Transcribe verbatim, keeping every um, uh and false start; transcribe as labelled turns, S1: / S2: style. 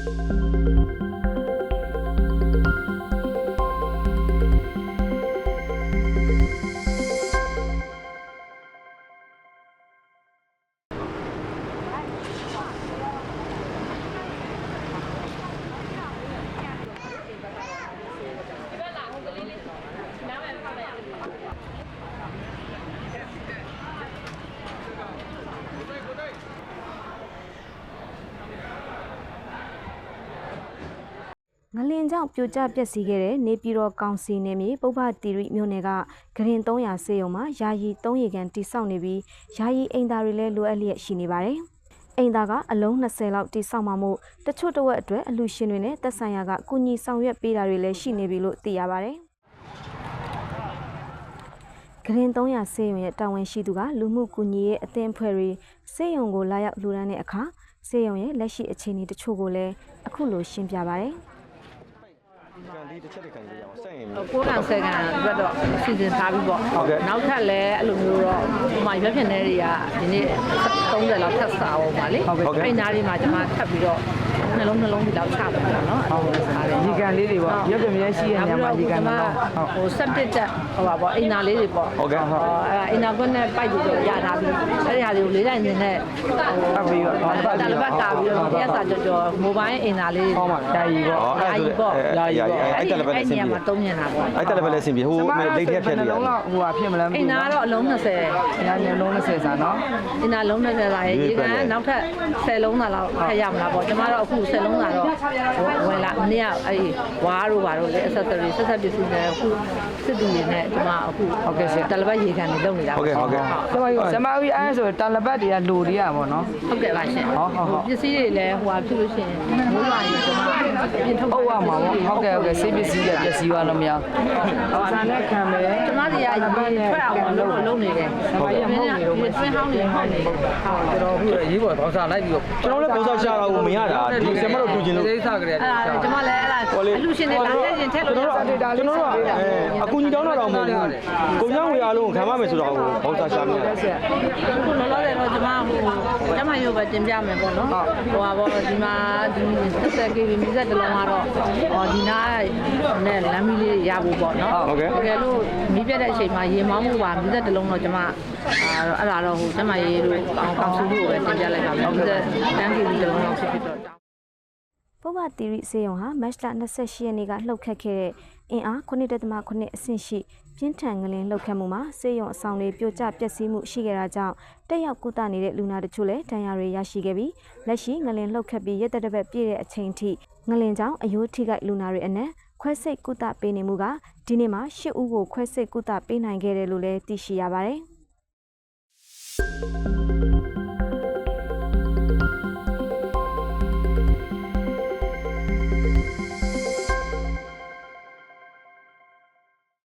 S1: ငလင်ကြောင့်ပြိုကျပျက်စီးခဲ့တဲ့နေပြည်တော်ကောင်စီနယ်မြေပုဗ္ဗသီရိမြို့နယ်ကဂရင်သုံးရာဆေးရုံမှာယာယီသုံးရေကန်တိစောက်နေပြီးယာယီအိမ်သားတွေလည်းလိုအပ်လျက်ရှိနေပါတယ်။အိမ်သားကအလုံး၂၀လောက်တိစောက်မှမို့တချို့တဝက်အတွက်အလူရှင်တွေနဲ့သက်ဆိုင်ရာကကုညီဆောင်ရွက်ပေးတာတွေလည်းရှိနေပြီလို့သိရပါတယ်။ဂရင်သုံးရာဆေးရုံရဲ့တာဝန်ရှိသူကလူမှုကူညီရေးအသင်းအဖွဲ့တွေဆေးရုံကိုလာရောက်လှူဒါန်းတဲ့အခါဆေးရုံရဲ့လက်ရှိအခြေအနေတချို့ကိုလည်းအခုလိုရှင်းပြပါတယ်။
S2: ကန်လေးတစ်ချက်တစ်ခါလေးရအောင်ဆက်ရင်
S3: ကိုးကန်ဆယ်ကန်အတွက်တော့စီစဉ်ထားပြီးပေါ့နောက်ထပ်လည်းအဲ့လိုမျိုးတော့ဟိုမှာရွက်ဖြစ်နေတွေကဒီနေ့သုံးဆယ်လောက်ထပ်စားအောင်ပါလေအဲ့နားလေးမှာကျွန်မထပ်ပြီးတော့နှလုံးနှလုံးဒီလောက်ချပါတော့နော်
S4: ရေကန်လေးတွေပေါ့ရွက်ပြမြဲရှိတဲ့နေရာမှာရေကန်တော့
S3: ဟိုစက်တစ်တက်ဟိုပါပေါ့အိမ်နာလေးတွေပေါ့
S2: ဟုတ်ကဲ့
S3: ဟုတ်အဲ့အိမ်နာကွန်းနဲ့ပိုက်ပြီးတော့ရထားပြီးအဲ့ဒီဟာတွေကိုလေးတိုင်းနေနဲ့ဟို
S4: ပတ်ပြီးတော့
S3: တာလပတ်ကာပြီးတော့ရက်စာကြော်ကြော်မိုဘိုင်းအိမ်နာလေး
S4: ဟုတ်ပါယာယီပေါ့
S3: ယာယီပေါ့
S2: ယာယီပေါ့အဲ့တယ်လည်းပဲအဆင်ပြေ
S3: မှာသုံးညင်တာပေါ့
S2: အဲ့တယ်လည်းပဲအဆင်ပြေဟိုလိတ်ထက်ဖြတ်နေ
S4: တယ်လုံးလောက်ဟိုဟာဖြစ်မလား
S3: အိမ်နာတော့အလုံး၂၀
S4: ညာညလုံး၂၀စာနော်
S3: အိမ်နာလုံး၂၀စာရေကန်နောက်ထပ်၁၀လုံးသာလောက်ထပ်ရမလားပေါ့ကျမတို့အခု၁၀လုံးသာတော့ဝင်လာမနေ့ကအဲ့ဝါးတို့ဘာတို့လဲ accessory ဆက်ဆက်ပစ္စည်းတွေအခုစစ်သူတွေနဲ့ကျမအခု
S4: ဟုတ်ကဲ့ရှင်
S3: တလပတ်ရေကန်တွေလုပ်နေတာ
S2: ဟုတ်ကဲ့ဟုတ်ကဲ့
S4: ကျမကြီးအဲ့ဆိုတလပတ်တွေကလိုတွေကပေါ့နော်
S3: ဟုတ်ကဲ့ပါရှင်ဟုတ်ဟုတ်ဟုတ်ပစ္စည်းတွေလည်းဟိုဟာဖြစ်လို့ရှိရင်မိုးရွာရင်ကျမပြင်ထုတ်
S4: ဟုတ်ပါမှာဟုတ်ကဲ့ဟုတ်ကဲ့ဆေးပစ္စည်းတွေပစ္စည်းရောလို့မရဟုတ်ဆန်နဲ့ခံမယ်
S3: ကျမတွေကရေထွက်အောင်လုပ်လုပ်နေတယ်
S4: ဟုတ်ကဲ့ဟုတ်နေတော့
S3: တွင်းဟောင်းနေဟောင်းနေဟုတ်
S4: ကျွန်တော်အခုရေးပေါ်ပေါင်းစားလိုက်ပြီးတော့
S2: ကျွန်တော်လည်းပေါင်းစားရှာတာကိုမရတာဒီဆမတို့တူချင်လို့
S4: စိတ်ဆောက်ကြတယ်
S3: အဲ့ဒါကျမလည်းအဲ့ဒါအလူရှင်တွေလာတဲ့ရင်ထက်လို့
S2: ကျွန်တော်တို့ကျွန်တော်တို့အကူကြီးတောင်းတာတော့မဟုတ်ဘူးကိုညောင်းဝေအားလုံးခံမမယ်ဆိုတော့ပေါင်းစားရှာနေတယ်
S3: အခုလောလောဆယ်တော့ကျမဟိုကျမရုပ်ပဲတင်ပြမယ်ပေါ့နော်ဟိုပါပေါ့ဒီမှာဒီဆက်ဆက်ကေဗီမီဆက်တလုံးကတော့ဟောဒီနားနဲ့လမ်းမီးလေးရဖို့ပေါ့နော်
S2: ဟုတ်ကဲ့
S3: တကယ်လို့မီးပြတ်တဲ့အချိန်မှာရေမောင်းမှုပါမီးဆက်တလုံးတော့ကျမအဲ့ဒါတော့ဟိုကျမရေလို့အောင်ကောင်းစုလို့ပဲတင်ပြလိုက်ပါမယ်မီးဆက်တန်းကေဗီတလုံးတော့ဖြစ်ဖြစ်တော့
S1: ပုဗ္ဗသီရိဆေးရုံဟာမတ်လ၂၈ရက်နေ့ကလှုပ်ခတ်ခဲ့တဲ့အင်အားခုနှစ်ဒသမခုနှစ်အဆင့်ရှိပြင်းထန်ငလင်လှုပ်ခတ်မှုမှာဆေးရုံအဆောင်တွေပြိုကျပျက်စီးမှုရှိခဲ့တာကြောင့်တက်ရောက်ကုသနေတဲ့လူနာတချို့လည်းဒဏ်ရာတွေရရှိခဲ့ပြီးလက်ရှိငလင်လှုပ်ခတ်ပြီးရက်သက်တစ်ပတ်ပြည့်တဲ့အချိန်ထိငလင်ကြောင့်အယိုးထိခိုက်လူနာတွေအနက်ခွဲစိတ်ကုသပေးနေမှုကဒီနေ့မှာ၈ဦးကိုခွဲစိတ်ကုသပေးနိုင်ခဲ့တယ်လို့လည်းသိရှိရပါတယ်။